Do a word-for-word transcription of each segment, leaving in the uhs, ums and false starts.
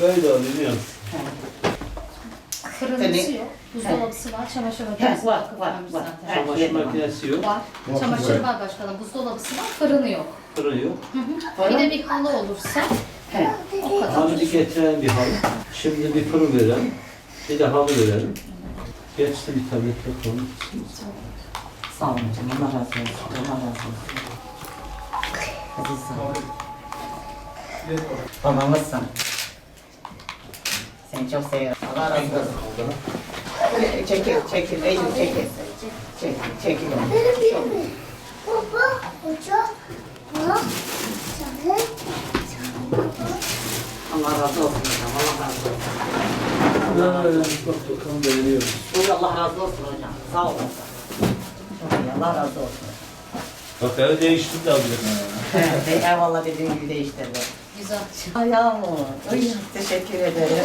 böyle oluyor. Fırıncısı yok. Buzdolabısı var. Çamaşır makinesi var, var. var, var. Çamaşır makinesi yok. Var. Çamaşır var başkanım. Buzdolabısı var. Fırını yok. Fırın yok. Hı hı. Bir de bir halı olursa He. o kadar. Halı getiren bir halı. Şimdi bir fırın verelim. Bir de halı verelim. Geçti bir tablet bakalım. Sağ olun canım. Allah razı olsun. Allah razı olsun. Hadi sağ ol. Babamızsın. Seni çok seviyorum. Allah razı olsun. Çekil, çekil. Eylül çekil. Çekil, çekil. Baba, hoca, baba, sen Allah razı olsun. Allah razı olsun. Bak bakalım beğeniyorum. Buyur, Allah razı olsun hocam. Sağ olun. Çok iyi. Allah razı olsun. Bak evi değiştirdi de alacak. Evet, eyvallah dediğin gibi değiştirdi. Güzel. Ayağım o. Ay, teşekkür ederim.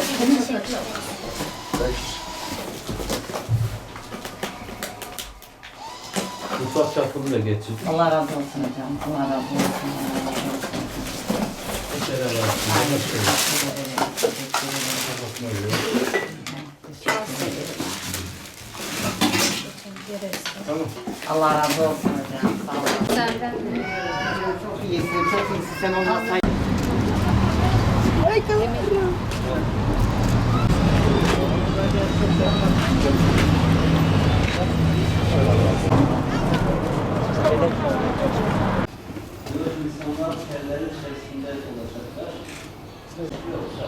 Mutfak çapını da getir. Allah razı olsun hocam. Allah razı olsun. Allah razı olsun. Teşekkür ederim. Aynı teşekkür ederim. Teşekkür ederim. Teşekkür ederim. Tamam. Allah razı olsun hocam. Sağ olun. Senden Çok iyisin, çok iyisin. Sen olmasaydın. İnsanlar tellerin içerisinde olacaklar. Yoksa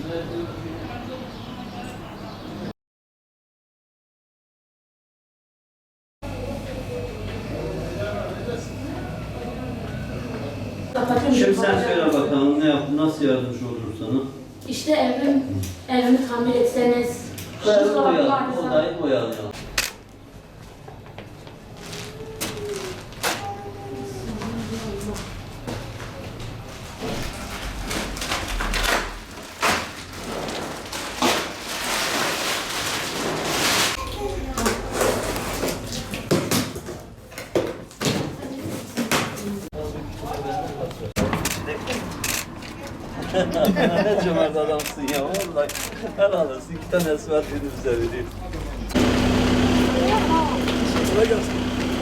Şimdi sen söyle bakalım ne yaptın, nasıl yardımcı olur sana? İşte evim, evimi tamir etseniz. Odayı boyayalım, odayı boyayalım. Ne cömert adamsın ya vallahi. Helal olsun. İki tane esmer dedim bize vereyim. Kolay gelsin.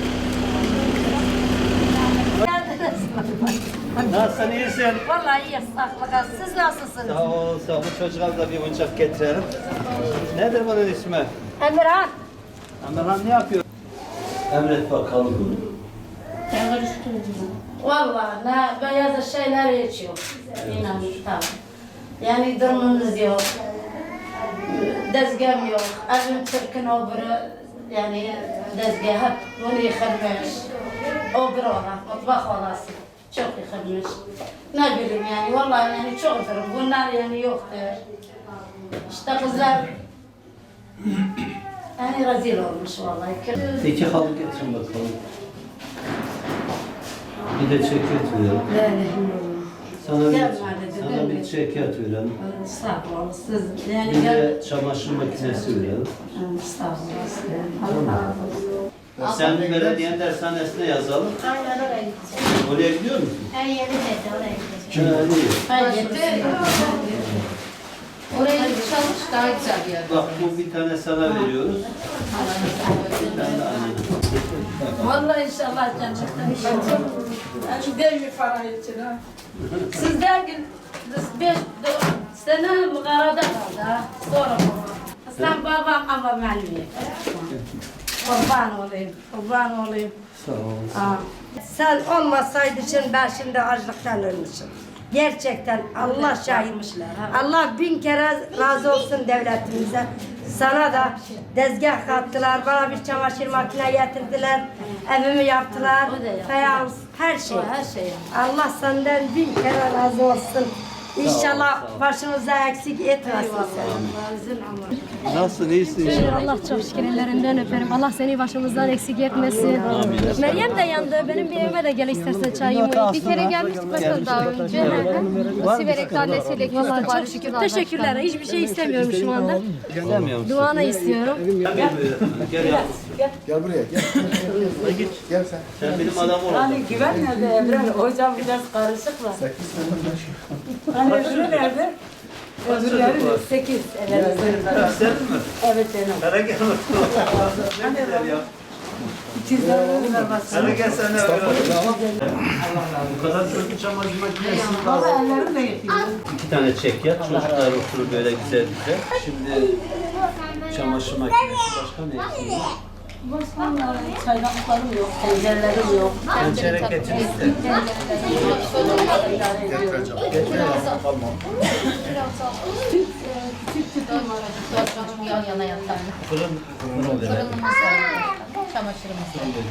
Nasılsın, iyisin? Vallahi iyi, sağlıkla. Siz nasılsınız? Sağ ol, sağ ol. Çocuğa da bir oyuncak getirelim. Nedir bunun ismi? Emirhan. Emirhan ne yapıyor? Emret bakalım bunu. Vallahi ne beyaz şeyler içiyor. İnan tamam. Yani durumumuz yok. Dezgahım yok. Evim çirkin oburu. Yani dezgah hep bunu yıkılmış. Oburu olan, mutfak olası. Çok yıkılmış. Ne bileyim yani vallahi yani çok durum. Bunlar yani yoktur. İşte kızlar yani rezil olmuş vallahi. İki halı getirin bakalım. Bir de ceket verelim. Sana bir, sana bir ceket verelim. Sağ olun. Siz yani Bir gel. de çamaşır makinesi verelim. Sağ olun. Allah razı olsun. Sen belediyenin dershanesine yazalım. aynen oraya gideceğim. Oraya gidiyor musun? Her yeri dedi oraya gideceğim. Ha, iyi. Hayır. Oraya çalış daha güzel bir yer. Bak bu bir tane sana veriyoruz. Bir tane de annene. Vallahi inşallah cennetten inşallah. Yani değil mi para için ha? Siz dergin beş sene mağarada kaldı ha. Sonra baba. Sen babam ama benim. Kurban olayım, kurban olayım. Sağ ol. Aa. Sen olmasaydın için ben şimdi açlıktan ölmüşüm. Gerçekten Allah şahitmiş. Allah bin kere razı olsun devletimize. Sana da dezgah kattılar, bana bir çamaşır makine getirdiler, evimi yaptılar, fayans, her şey. Her şey. Allah senden bin kere razı olsun. İnşallah başımıza eksik etmesin seni. Nasılsın, iyisin inşallah? Allah çok şükür ellerinden öperim. Allah seni başımızdan eksik etmesin. Meryem de yandı. Benim bir evime de gel istersen çayımı. Bir kere gelmiştik başkan daha önce. Siverek annesiyle Vallahi çok şükür. Teşekkürler. Hiçbir şey istemiyorum şu anda. Gelemiyor musun? Duanı istiyorum. Gel, gel, gel yavrum. Gel buraya gel. Hadi git. Gel sen. Sen benim adam ol. Hani güven nerede Emre? Hocam biraz karışık var. Sekiz sene baş. Hani öbürü nerede? Öbürleri var? sekiz. Evet, Senin mi? evet benim. Hele gel bakalım. Ne güzel ya. İkizlerim var baksana. Hele gel sen de böyle. Bu kadar çocuk çamaşır makinesi Valla lazım. ellerim de yetiyor. İki tane çek yat, çocuklar oturur böyle güzel güzel. Şimdi çamaşır makinesi başka ne eksiği var? Çaydanlıklarım yok, tencerelerim yok. Tencere getir işte. Yan yana yatan. Fırın, fırın verelim. Fırınımız var. Çamaşırımız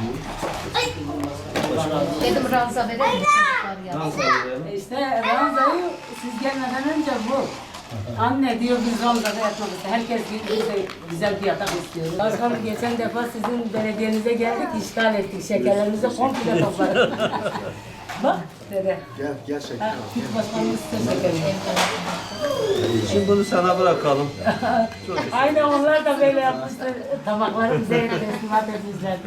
var. Dedim ranza verir misin? Nasıl verelim? İşte ranzayı siz gelmeden önce bu. Anne diyor biz ranzada yatmak istiyoruz. Herkes bir, bize güzel bir yatak istiyor. Başkanım geçen defa sizin belediyenize geldik, işgal ettik. Şekerlerimizi komple topladık. Bak dede. Gel, gel şeker. Hiç başkanımız size şekerini. Şimdi bunu sana bırakalım. Aynen onlar da böyle yapmışlar. Tabakları bize teslimat etmişlerdi.